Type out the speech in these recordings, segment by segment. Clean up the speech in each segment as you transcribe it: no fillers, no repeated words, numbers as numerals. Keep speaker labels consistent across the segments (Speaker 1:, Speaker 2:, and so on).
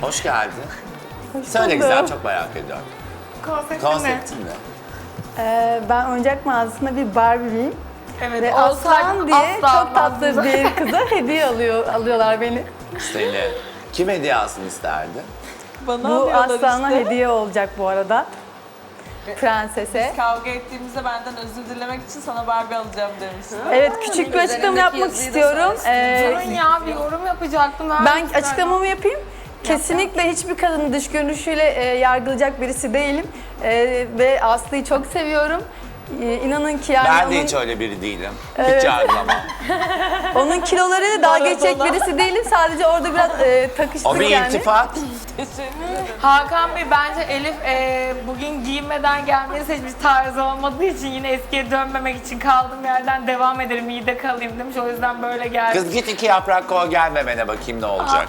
Speaker 1: Hoş geldin.
Speaker 2: Hoş
Speaker 1: Söyle
Speaker 2: bulduk.
Speaker 1: güzel, çok merak ediyorum. Konseptin ne?
Speaker 2: Ben oyuncak mağazasında bir Barbie'yim.
Speaker 3: Evet,
Speaker 2: Ve
Speaker 3: olsaydım
Speaker 2: Aslan diye
Speaker 3: asla
Speaker 2: çok tatlı
Speaker 3: almazdım.
Speaker 2: bir kıza hediye alıyorlar beni.
Speaker 1: Seni. Kim hediye alsın isterdi?
Speaker 3: Bana
Speaker 2: Bu
Speaker 3: alıyorlar
Speaker 2: Aslan'a
Speaker 3: işte.
Speaker 2: hediye olacak bu arada. Prensese.
Speaker 3: Kavga ettiğimizde benden özür dilemek için sana Barbie alacağım demiştim.
Speaker 2: Evet, küçük bir açıklama yapmak istiyorum.
Speaker 3: Durun ya, bir yorum yapacaktım.
Speaker 2: Ben açıklamamı yapayım. Kesinlikle hiçbir kadını dış görünüşüyle yargılayacak birisi değilim. Ve Aslı'yı çok seviyorum. İnanın ki yani
Speaker 1: Ben de
Speaker 2: onun,
Speaker 1: hiç öyle biri değilim. Hiç yargılamam.
Speaker 2: onun kilolarıyla dalga geçecek
Speaker 3: Arada.
Speaker 2: birisi değilim. Sadece orada biraz takıştık
Speaker 1: O bir
Speaker 2: yani.
Speaker 1: iltifat.
Speaker 3: Hakan Bey, bence Elif bugün giyinmeden gelmeyi seçmiş, tarzı olmadığı için yine eskiye dönmemek için kaldığım yerden devam ederim, iyi de kalayım demiş. O yüzden böyle geldi.
Speaker 1: Kız git 2 yaprak koy gelmemene bakayım ne olacak.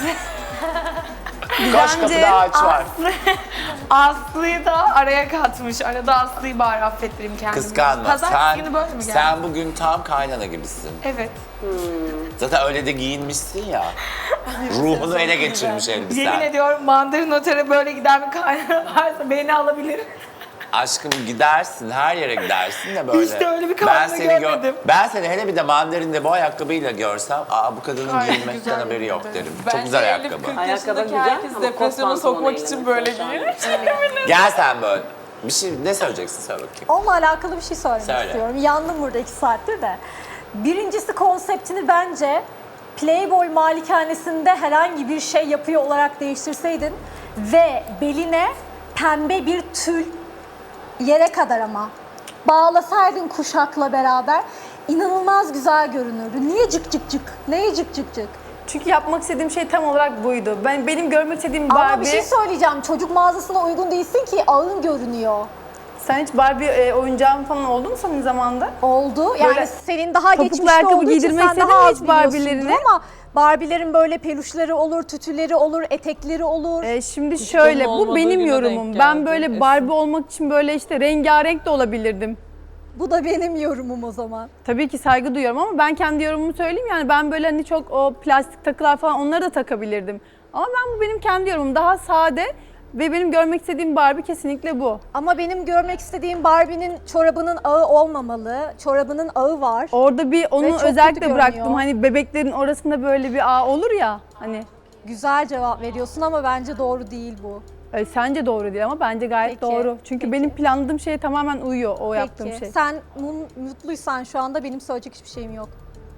Speaker 1: Koş kapıda ağaç var.
Speaker 3: Aslı'yı da araya katmış. Arada Aslı'yı bari affettireyim kendimi.
Speaker 1: Kıskanma.
Speaker 3: Pazartesi günü böyle mi geldi?
Speaker 1: Sen bugün tam kaynana gibisin.
Speaker 3: Evet.
Speaker 1: Zaten öyle de giyinmişsin ya. Ruhunu ele geçirmiş
Speaker 3: Yemin
Speaker 1: elbisen.
Speaker 3: ediyorum, Mandarin Otel'e böyle giden bir kaynana varsa beni alabilir.
Speaker 1: Aşkım gidersin, her yere gidersin de böyle.
Speaker 3: İşte öyle bir kadını görmedim.
Speaker 1: Ben seni hele bir de mandarinde bu ayakkabıyla görsem, aa bu kadının
Speaker 3: Ay,
Speaker 1: giyinmekten
Speaker 3: güzel
Speaker 1: haberi yok
Speaker 3: yemin
Speaker 1: derim.
Speaker 3: ederim.
Speaker 1: Çok güzel
Speaker 3: Bence
Speaker 1: ayakkabı.
Speaker 3: 50-40
Speaker 4: Ayakkabı
Speaker 3: yaşındaki
Speaker 4: güzel
Speaker 3: herkes
Speaker 4: ama
Speaker 3: depresyona
Speaker 4: kot
Speaker 3: sokmak
Speaker 4: pantolonuyla
Speaker 3: için böyle
Speaker 4: mesela
Speaker 3: giyiyor.
Speaker 1: Gel sen böyle. Bir şey ne söyleyeceksin söyle bakayım.
Speaker 5: Onunla alakalı bir şey söylemek
Speaker 1: Söyle.
Speaker 5: istiyorum. Yandım burada 2 saattir de. Birincisi, konseptini bence Playboy malikanesinde herhangi bir şey yapıyor olarak değiştirseydin ve beline pembe bir tül, yere kadar ama, bağlasaydın kuşakla beraber, inanılmaz güzel görünürdü. Niye cık cık cık? Neye cık cık cık?
Speaker 2: Çünkü yapmak istediğim şey tam olarak buydu. Benim görmek istediğim
Speaker 5: Ama
Speaker 2: Barbie...
Speaker 5: bir şey söyleyeceğim. Çocuk mağazasına uygun değilsin ki, ağın görünüyor.
Speaker 2: Sen hiç Barbie oyuncağın falan oldu mu senin zamanında?
Speaker 5: Oldu. Yani
Speaker 2: Böyle
Speaker 5: senin daha
Speaker 2: topuklu
Speaker 5: geçmişte
Speaker 2: ayakkabı
Speaker 5: olduğu için
Speaker 2: giydirmek
Speaker 5: sen
Speaker 2: istedin
Speaker 5: daha
Speaker 2: mi
Speaker 5: az
Speaker 2: hiç Barbie'lerini?
Speaker 5: biliyorsundur ama Barbie'lerin böyle peluşları olur, tütüleri olur, etekleri olur.
Speaker 2: Şimdi şöyle, bu
Speaker 3: olmadığı
Speaker 2: benim
Speaker 3: güne
Speaker 2: yorumum.
Speaker 3: denk
Speaker 2: Ben
Speaker 3: geldi,
Speaker 2: böyle
Speaker 3: Esin.
Speaker 2: Barbie olmak için böyle işte rengarenk de olabilirdim.
Speaker 5: Bu da benim yorumum o zaman.
Speaker 2: Tabii ki saygı duyuyorum ama ben kendi yorumumu söyleyeyim, yani ben böyle hani çok o plastik takılar falan onları da takabilirdim. Ama bu benim kendi yorumum, daha sade ve benim görmek istediğim Barbie kesinlikle bu.
Speaker 5: Ama benim görmek istediğim Barbie'nin çorabının ağı olmamalı. Çorabının ağı var.
Speaker 2: Orada bir onu
Speaker 5: çok kötü
Speaker 2: özellikle
Speaker 5: görünüyor.
Speaker 2: bıraktım, hani bebeklerin orasında böyle bir ağ olur ya hani.
Speaker 5: Güzel cevap veriyorsun ama bence doğru değil bu.
Speaker 2: Sence doğru değil ama bence gayet
Speaker 5: Peki,
Speaker 2: doğru. Çünkü
Speaker 5: peki.
Speaker 2: benim planladığım şeye tamamen uyuyor o yaptığım
Speaker 5: Peki.
Speaker 2: şey.
Speaker 5: Sen mutluysan şu anda, benim söyleyecek hiçbir şeyim yok.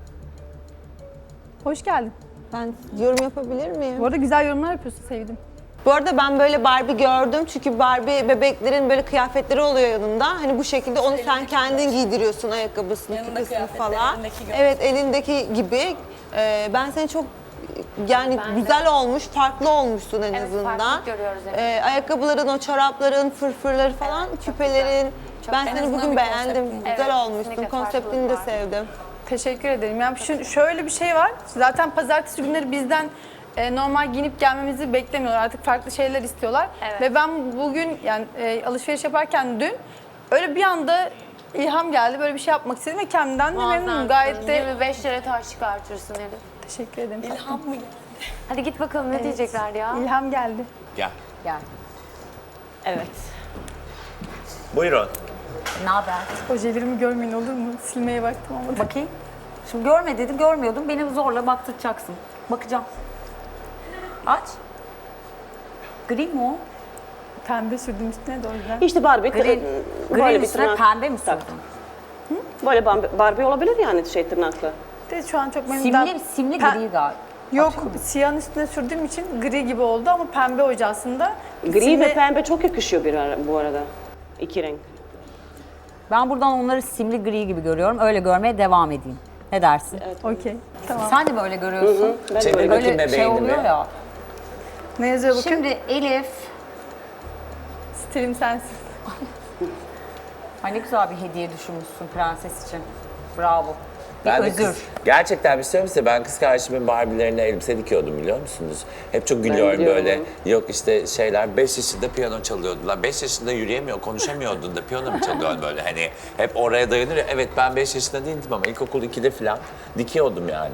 Speaker 2: Hoş geldin.
Speaker 4: Ben yorum yapabilir miyim?
Speaker 2: Bu arada güzel yorumlar yapıyorsun, sevdim.
Speaker 4: Bu arada ben böyle Barbie gördüm çünkü Barbie bebeklerin böyle kıyafetleri oluyor yanında. Hani bu şekilde onu sen kendin giydiriyorsun, ayakkabısını, küpesini falan. Evet, elindeki gibi. Ben seni çok yani güzel olmuş, farklı olmuşsun en azından.
Speaker 6: farklılık görüyoruz evet.
Speaker 4: Ayakkabıların, o çorapların, fırfırları falan, küpelerin. Ben seni bugün beğendim. Güzel
Speaker 6: Evet,
Speaker 4: olmuşsun.
Speaker 6: kesinlikle
Speaker 4: Konseptini de
Speaker 6: farklılık var.
Speaker 4: sevdim.
Speaker 2: Teşekkür ederim. Yani şöyle bir şey var. Zaten pazartesi günleri bizden normal giyinip gelmemizi beklemiyorlar. Artık farklı şeyler istiyorlar.
Speaker 6: Evet.
Speaker 2: Ve ben bugün yani alışveriş yaparken dün öyle bir anda ilham geldi. Böyle bir şey yapmak istedim ve kendimden de memnunum.
Speaker 6: Muazzamsın.
Speaker 2: Gayet de
Speaker 6: 25 lira taş çıkartırsın Elif.
Speaker 2: teşekkür ederim.
Speaker 3: İlham mı?
Speaker 6: Hadi git bakalım ne diyecekler ya.
Speaker 2: İlham geldi.
Speaker 1: Gel.
Speaker 4: Evet.
Speaker 1: Buyurun.
Speaker 7: Ne haber?
Speaker 2: Ojelerimi görmeyin olur mu? Silmeye baktım ama.
Speaker 7: Bakayım. Şimdi görme dedi, görmüyordum. Beni zorla baktıracaksın. Bakacağım. Aç. Gri mi o?
Speaker 2: Pembe sürdüm üstüne de o yüzden.
Speaker 8: İşte Barbie,
Speaker 7: Gri,
Speaker 8: böyle
Speaker 7: grinin
Speaker 8: bir
Speaker 7: üstüne
Speaker 8: tırnak.
Speaker 7: pembe mi
Speaker 8: Tabii.
Speaker 7: sürdün?
Speaker 8: Böyle Barbie olabilir yani tırnaklı.
Speaker 2: De şu an çok memnunum.
Speaker 7: Simli
Speaker 2: Pe-
Speaker 7: gri galiba.
Speaker 2: Yok, siyahın üstüne sürdüğüm için gri gibi oldu ama pembe oje aslında.
Speaker 8: Gri
Speaker 2: Simli-
Speaker 8: ve pembe çok yakışıyor bu arada. İki renk.
Speaker 7: Ben buradan onları simli gri gibi görüyorum. Öyle görmeye devam edeyim. Ne dersin?
Speaker 2: Okey, tamam.
Speaker 7: Sen de böyle görüyorsun.
Speaker 8: Ben de
Speaker 1: Çevir
Speaker 8: öyle.
Speaker 1: bakayım
Speaker 7: Böyle şey
Speaker 1: bebeğini
Speaker 7: oluyor
Speaker 1: bir.
Speaker 7: ya.
Speaker 2: Ne yazıyor bakın?
Speaker 7: Şimdi Elif,
Speaker 2: Stilim sensin.
Speaker 7: ay ne güzel bir hediye düşünmüşsün prenses için. Bravo. Bir
Speaker 1: Ben de
Speaker 7: özür.
Speaker 1: gerçekten bir şey söyleyeyim size. Ben kız kardeşimin Barbie'lerine elbise dikiyordum biliyor musunuz? Hep çok gülüyorum
Speaker 8: biliyorum.
Speaker 1: böyle. Yok işte şeyler 5 yaşında piyano çalıyordu. Lan 5 yaşında yürüyemiyor, konuşamıyordun da piyano mu çalıyorsun böyle hani. Hep oraya dayanır ya. Evet ben 5 yaşında değildim ama ilkokul 2'de falan dikiyordum yani.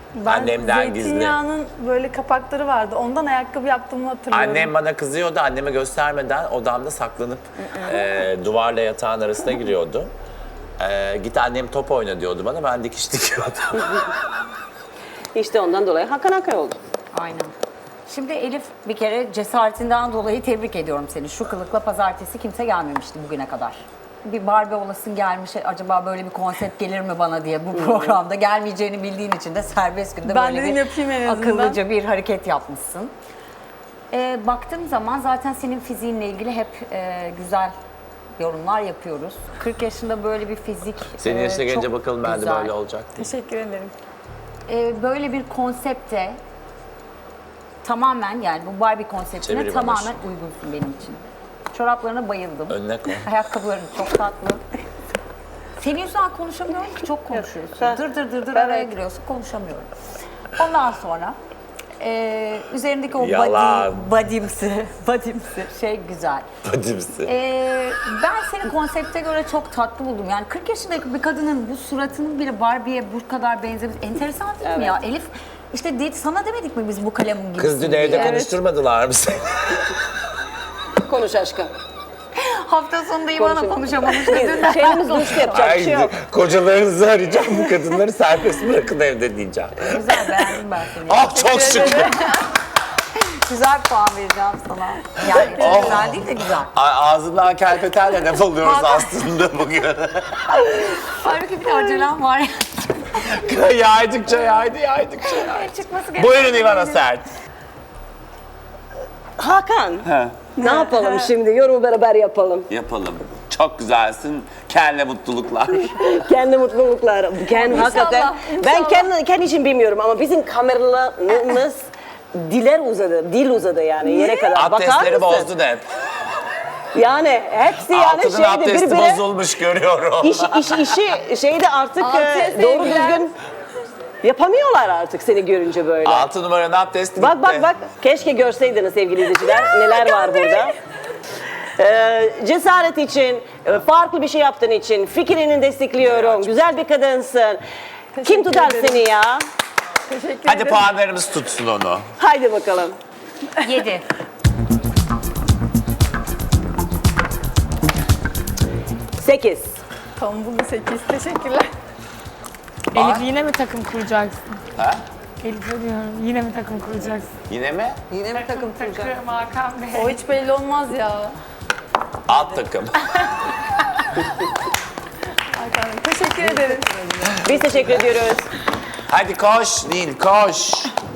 Speaker 2: Ben
Speaker 1: Annemden gizli.
Speaker 2: zeytinyağının böyle kapakları vardı. Ondan ayakkabı yaptığımı hatırlıyorum.
Speaker 1: Annem bana kızıyordu. Anneme göstermeden odamda saklanıp duvarla yatağın arasına giriyordu. Git annem top oyna diyordu bana. Ben dikiş dikiyordum.
Speaker 8: İşte ondan dolayı Hakan Akay oldu.
Speaker 7: Aynen. Şimdi Elif, bir kere cesaretinden dolayı tebrik ediyorum seni. Şu kılıkla pazartesi kimse gelmemişti bugüne kadar. Bir Barbie olasın gelmiş, acaba böyle bir konsept gelir mi bana diye bu programda. Gelmeyeceğini bildiğin için de serbest günde
Speaker 2: Ben
Speaker 7: böyle
Speaker 2: dedim
Speaker 7: bir
Speaker 2: yapayım en azından.
Speaker 7: akıllıca bir hareket yapmışsın. Baktığım zaman zaten senin fiziğinle ilgili hep güzel yorumlar yapıyoruz. 40 yaşında böyle bir fizik
Speaker 1: Senin yaşına gelince
Speaker 7: çok
Speaker 1: bakalım ben de
Speaker 7: güzel.
Speaker 1: böyle olacak diye.
Speaker 2: Teşekkür ederim.
Speaker 7: Böyle bir konsepte tamamen, yani bu Barbie konseptine
Speaker 1: Çeviri
Speaker 7: tamamen
Speaker 1: bana.
Speaker 7: uygunsun benim için. Çoraplarına bayıldım.
Speaker 1: Önüne koy.
Speaker 7: Ayakkabıların çok tatlı. Senin yüzünden konuşamıyorum ki, çok konuşuyorsun. Dır araya giriyorsun, konuşamıyorum. Ondan sonra üzerindeki o
Speaker 1: Yalan.
Speaker 7: body'msi şey güzel.
Speaker 1: Badimsi.
Speaker 7: Ben seni konsepte göre çok tatlı buldum. Yani 40 yaşındaki bir kadının bu suratının bile Barbie'ye bu kadar benzemesi enteresan değil mi ya? Elif, işte sana demedik mi biz bu kalemin gibisin
Speaker 1: Kız dün evde
Speaker 7: diye?
Speaker 1: konuşturmadılar mı seni?
Speaker 8: Konuş aşkım.
Speaker 7: Hafta sonunda İvan'a konuşamamış dedin.
Speaker 8: Şeyimiz düştü, yapacak bir şey yok.
Speaker 1: Kocalarınızı arayacağım, bu kadınları serbest bırakın evde diyeceğim.
Speaker 7: Güzel, beğendim ben seni.
Speaker 1: Ah çok şükür.
Speaker 7: Güzel puan vereceğim sana. Yani çok güzel değil de güzel.
Speaker 1: Ağzından kelpetenle laf alıyoruz aslında bugün.
Speaker 7: Halbuki bir de acelem var.
Speaker 1: yaydıkça yaydı.
Speaker 7: Çıkması gereken.
Speaker 1: Buyurun İvana Sert.
Speaker 8: Hakan, ne yapalım şimdi? Yorumu beraber yapalım.
Speaker 1: Yapalım. Çok güzelsin. Kendine mutluluklar.
Speaker 8: Kendi mutluluklar. Hakikaten. Ben kendi için bilmiyorum ama bizim kameralarımız dil uzadı yani yere kadar. Bakar
Speaker 1: Abdestleri
Speaker 8: mısın?
Speaker 1: bozdun hep.
Speaker 8: Yani hepsi yani
Speaker 1: Altının
Speaker 8: şeyde
Speaker 1: abdesti
Speaker 8: birbirine
Speaker 1: bozulmuş görüyorum.
Speaker 8: işi şeyde artık
Speaker 2: Abdest
Speaker 8: doğru
Speaker 2: sevgiler.
Speaker 8: düzgün yapamıyorlar artık seni görünce böyle.
Speaker 1: 6 numaranın abdesti
Speaker 8: Bak
Speaker 1: gitti.
Speaker 8: bak keşke görseydiniz sevgili izleyiciler neler var burada. Cesaret için, farklı bir şey yaptığın için fikrini destekliyorum. Güzel bir kadınsın. Kim tutar
Speaker 2: ederim.
Speaker 8: seni ya?
Speaker 2: Teşekkür
Speaker 1: Hadi
Speaker 2: ederim.
Speaker 1: puanlarımız tutsun onu.
Speaker 8: Haydi bakalım.
Speaker 7: 7.
Speaker 8: Sekiz.
Speaker 2: Tamam, bu 8. Teşekkürler.
Speaker 3: Elif yine mi takım kuracaksın?
Speaker 1: Ha?
Speaker 3: Elif'e diyorum, yine mi takım kuracaksın?
Speaker 1: Yine mi?
Speaker 4: Yine mi takım kuracak?
Speaker 3: Takım Hakan Bey.
Speaker 2: O hiç belli olmaz ya.
Speaker 1: Alt takım.
Speaker 2: Hakan Bey, teşekkür ederim.
Speaker 8: Biz teşekkür ediyoruz.
Speaker 1: Hadi koş Nil koş.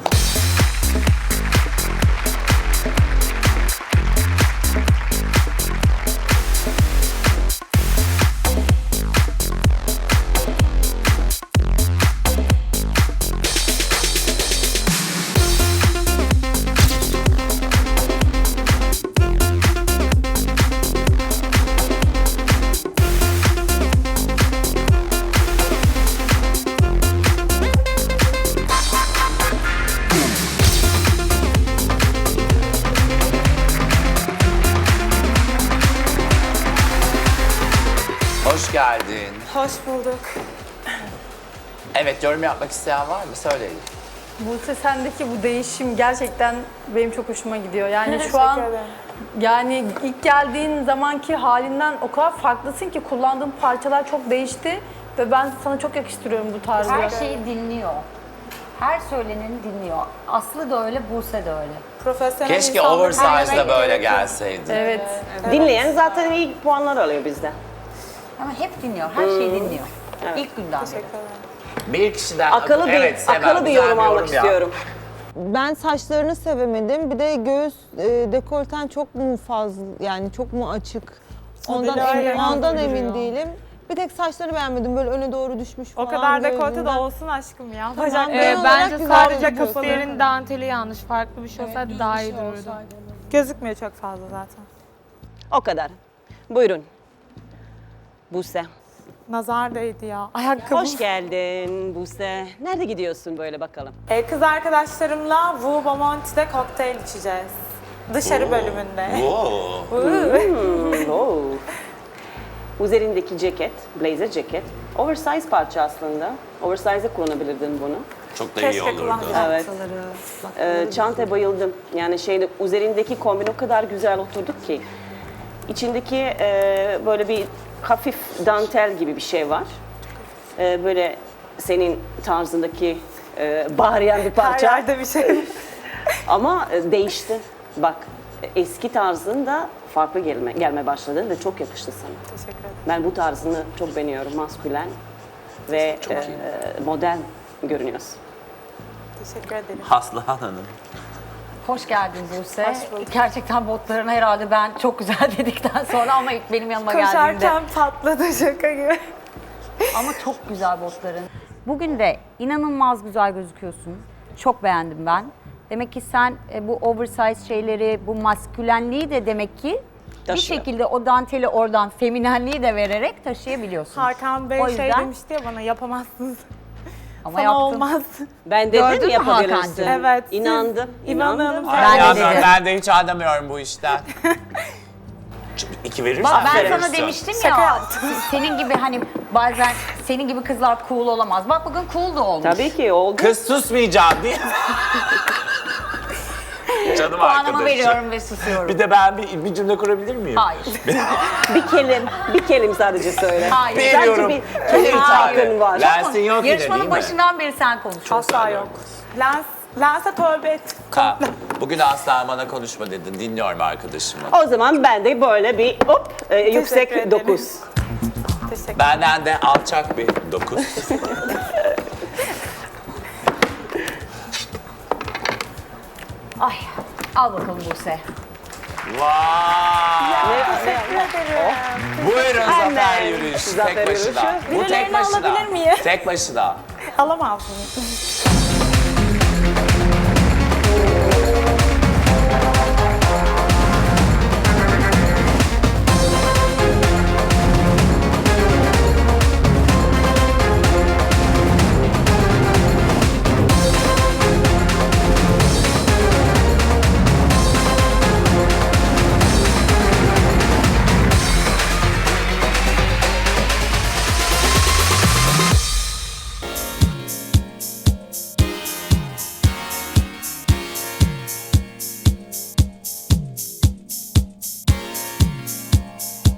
Speaker 1: Hoş geldin.
Speaker 3: Hoş bulduk.
Speaker 1: Evet, yorum yapmak isteyen var mı? Söyleyin.
Speaker 2: Buse, sendeki bu değişim gerçekten benim çok hoşuma gidiyor. Yani şu an yani ilk geldiğin zamanki halinden o kadar farklısın ki kullandığın parçalar çok değişti ve ben sana çok yakıştırıyorum bu tarzı.
Speaker 7: Her şeyi dinliyor. Her söyleneni dinliyor. Aslı da öyle, Buse de öyle.
Speaker 3: Profesyonel
Speaker 1: Keşke
Speaker 3: insanların
Speaker 1: oversize'da
Speaker 3: her
Speaker 1: böyle
Speaker 3: yemek
Speaker 1: gelseydi.
Speaker 2: Evet.
Speaker 8: Dinleyen zaten iyi puanlar alıyor bizden.
Speaker 7: Ama hep dinliyor, her şeyi dinliyor. İlk günden beri.
Speaker 1: Bir kişiden
Speaker 8: Akıllı bir,
Speaker 1: evet, Sema,
Speaker 8: akıllı bir
Speaker 1: güzel
Speaker 8: yorum almak
Speaker 1: yap.
Speaker 8: istiyorum.
Speaker 4: Ben saçlarını sevemedim. Bir de göğüs dekolten çok mu fazla, yani çok mu açık? Ondan emin değilim. Bir tek saçları beğenmedim. Böyle öne doğru düşmüş falan.
Speaker 9: O kadar dekolte de
Speaker 4: gözünden.
Speaker 9: olsun aşkım ya.
Speaker 4: Tamam,
Speaker 9: Bacak
Speaker 4: genel olarak
Speaker 3: Bence
Speaker 4: güzel
Speaker 3: sadece
Speaker 4: gözüküyorsun.
Speaker 3: kafelerin danteli yanlış. Farklı bir şey olsaydı daha iyi dururdu.
Speaker 9: gözükmüyor çok fazla zaten.
Speaker 8: O kadar. Buyurun. Buse.
Speaker 9: Nazar değdi ya. Ayakkabı.
Speaker 8: Hoş geldin Buse. Nerede gidiyorsun böyle bakalım?
Speaker 9: Kız arkadaşlarımla Wu Bomonti'de kokteyl içeceğiz. Dışarı bölümünde.
Speaker 8: Oo. Üzerindeki ceket, blazer ceket, oversize parça aslında. Oversize'e kullanabilirdin bunu.
Speaker 1: Çok da iyi
Speaker 9: Keşke
Speaker 1: olurdu.
Speaker 9: kullansaydım.
Speaker 8: Evet. Çantaya bayıldım. Yani üzerindeki kombin o kadar güzel oturduk ki. İçindeki böyle bir hafif dantel gibi bir şey var. Böyle senin tarzındaki bağıran bir
Speaker 9: Her
Speaker 8: parça.
Speaker 9: yerde bir şey.
Speaker 8: Ama değişti. Bak eski tarzında farklı gelme başladı ve çok yakıştı sana.
Speaker 9: Teşekkür ederim.
Speaker 8: Ben bu tarzını çok beğeniyorum. Maskülen ve modern görünüyorsun.
Speaker 9: Teşekkür ederim.
Speaker 1: Haslıhan Hanım.
Speaker 7: Hoş geldin Buse. Gerçekten botlarına herhalde ben çok güzel dedikten sonra ama ilk benim yanıma geldiğinde.
Speaker 9: Koşarken patladı şaka gibi.
Speaker 7: Ama çok güzel botların. Bugün de inanılmaz güzel gözüküyorsun. Çok beğendim ben. Demek ki sen bu oversize şeyleri, bu maskülenliği de demek ki bir
Speaker 8: Taşıyor.
Speaker 7: şekilde o danteli oradan feminenliği de vererek taşıyabiliyorsun.
Speaker 9: Hakan Bey
Speaker 7: O
Speaker 9: şey
Speaker 7: yüzden-
Speaker 9: demişti ya bana yapamazsınız.
Speaker 7: Ama
Speaker 9: Sana
Speaker 7: yaptın.
Speaker 9: olmaz.
Speaker 8: Ben
Speaker 7: Gördün
Speaker 8: dedim
Speaker 7: mü
Speaker 8: yapabilirsin.
Speaker 7: Hakan'cığım?
Speaker 9: Evet.
Speaker 8: İnandım.
Speaker 9: İnanın.
Speaker 7: Ben de
Speaker 1: Ya
Speaker 7: dedim.
Speaker 1: ben de hiç anlamıyorum bu işten. Çünkü 2 verirsen
Speaker 7: Bak ben
Speaker 1: verirsin.
Speaker 7: sana demiştim
Speaker 9: Şaka
Speaker 7: ya,
Speaker 9: yaptım.
Speaker 7: senin gibi hani bazen senin gibi kızlar cool olamaz. Bak bugün cool da olmuş.
Speaker 8: Tabii ki oldu.
Speaker 1: Kız susmayacağım değil mi? Canım
Speaker 7: Puanımı
Speaker 1: arkadaşım.
Speaker 7: veriyorum ve susuyorum.
Speaker 1: Bir de ben bir cümle kurabilir miyim?
Speaker 7: Hayır.
Speaker 8: Bir kelim sadece söyle.
Speaker 7: Hayır.
Speaker 1: Veriyorum.
Speaker 8: Sadece bir kelim hakkın var.
Speaker 1: Lensin yok yine değil
Speaker 7: Yarışmanın
Speaker 1: mi?
Speaker 7: başından beri sen konuşuyorsun.
Speaker 9: Asla yok. Lense tövbe et.
Speaker 1: Ha, bugün asla bana konuşma dedin. Dinliyorum arkadaşımı.
Speaker 8: O zaman ben de böyle bir yüksek
Speaker 9: ederim.
Speaker 8: 9.
Speaker 9: Teşekkür
Speaker 1: Benden de alçak bir 9.
Speaker 7: Ay, al bakalım Buse.
Speaker 1: Vay!
Speaker 9: Teşekkür ederim.
Speaker 1: Buyurun zafer
Speaker 8: Hemen.
Speaker 1: yürüyüşü.
Speaker 8: Zafer
Speaker 1: Tek başına.
Speaker 8: yürüyüşü.
Speaker 1: Bu tek
Speaker 9: Birilerini
Speaker 1: başına.
Speaker 9: alabilir miyim?
Speaker 1: Tek başına.
Speaker 9: Alamazsınız.